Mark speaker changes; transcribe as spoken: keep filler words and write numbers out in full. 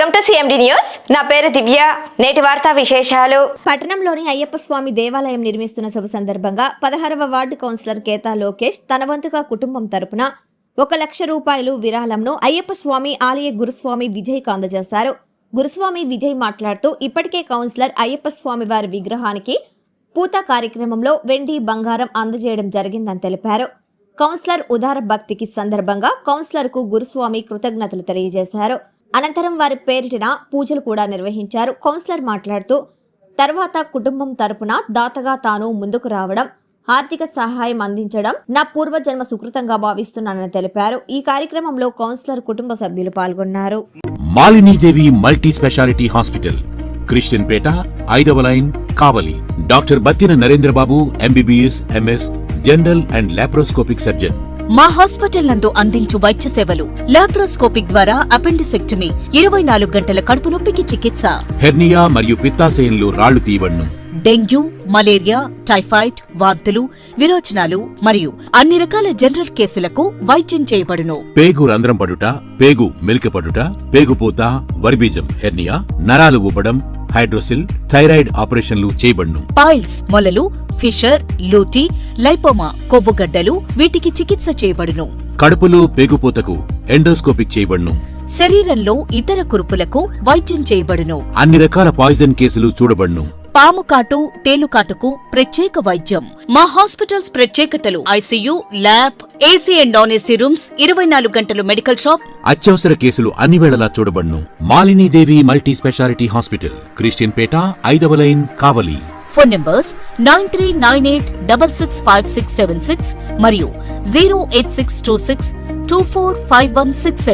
Speaker 1: Welcome to CMD news. నా పేరు దివ్య. నేటి వార్తా విశేషాలు.
Speaker 2: పట్టణంలోని అయ్యప్ప స్వామి దేవాలయం నిర్మిస్తున్న శుభ సందర్భంగా పదహారవ వార్డు కౌన్సిలర్ కేతా లోకేష్ తన వంతుగా కుటుంబం తరపున ఒక లక్ష రూపాయలు విరాళంను అయ్యప్ప స్వామి ఆలయ గురుస్వామి విజయ్కు అందజేశారు. గురుస్వామి విజయ్ మాట్లాడుతూ ఇప్పటికే కౌన్సిలర్ అయ్యప్ప స్వామి వారి విగ్రహానికి పూత కార్యక్రమంలో వెండి బంగారం అందజేయడం జరిగిందని తెలిపారు. కౌన్సిలర్ ఉదార భక్తికి సందర్భంగా కౌన్సిలర్ కు గురుస్వామి కృతజ్ఞతలు తెలియజేశారు. అనంతరం వారి పేరిటిన పూజలు కూడా నిర్వహించారు. కౌన్సిలర్ మాట్లాడుతూ తర్వాత కుటుంబం తరపున దాతగా తాను ముందుకు రావడం, ఆర్థిక సహాయం అందించడం నా పూర్వజన్మ సుకృతంగా భావిస్తున్నానని తెలిపారు. ఈ కార్యక్రమంలో కౌన్సిలర్ కుటుంబ సభ్యులు పాల్గొన్నారు.
Speaker 3: Malinidevi multi speciality hospital, Christian Peta, ఐదవ line, Kavali. Doctor Battina Narendrababu, MBBS, MS, general and laparoscopic surgeon.
Speaker 4: మా హాస్పిటల్ నందు అందించు వైద్య సేవలు: లాప్రోస్కోపిక్ ద్వారా అపెండిసెక్టమీ, ఇరవై నాలుగు గంటల కడుపు నొప్పికి చికిత్స,
Speaker 3: హెర్నియా మరియు పిత్తాశయంలో రాళ్లు తీయబడును,
Speaker 4: డెంగ్యూ, మలేరియా, టైఫాయిడ్, వాంతులు, విరోచనాలు మరియు అన్ని రకాల జనరల్ కేసులకు వైద్యం చేయబడును.
Speaker 3: పేగు రంధ్రం పడుట, పేగు మెలికపడుట, పేగుపూత, వర్బీజం, హెర్నియా, నరాలు ఉబ్బడం, హైడ్రోసిల్, థైరాయిడ్ ఆపరేషన్లు చేయబడును.
Speaker 4: పైల్స్, మొలలు, ఫిషర్, లూటీ, లైపోమా, కొవ్వుగడ్డలు వీటికి చికిత్స చేయబడును.
Speaker 3: కడుపులో పేగుపూతకు ఎండోస్కోపిక్ చేయబడును.
Speaker 4: శరీరంలో ఇతర కురుపులకు వైద్యం చేయబడును.
Speaker 3: అన్ని రకాల పాయిజన్ కేసులు చూడబడును.
Speaker 4: పాము కాటు, తేలుకాటుకు ప్రత్యేక వైద్యం. మా హాస్పిటల్స్ ప్రత్యేకతలు: ICU, lab, AC and non AC rooms, ఇరవై నాలుగు గంటలు మెడికల్ షాప్,
Speaker 3: అత్యవసర కేసులు అన్ని వేళలా చూడబడును. Malinidevi multi speciality hospital, Christian Peta, ఐదవ line, Kavali.
Speaker 4: Phone numbers nine three nine eight double six five six seven six మరియు zero eight six two six two four five one six seven.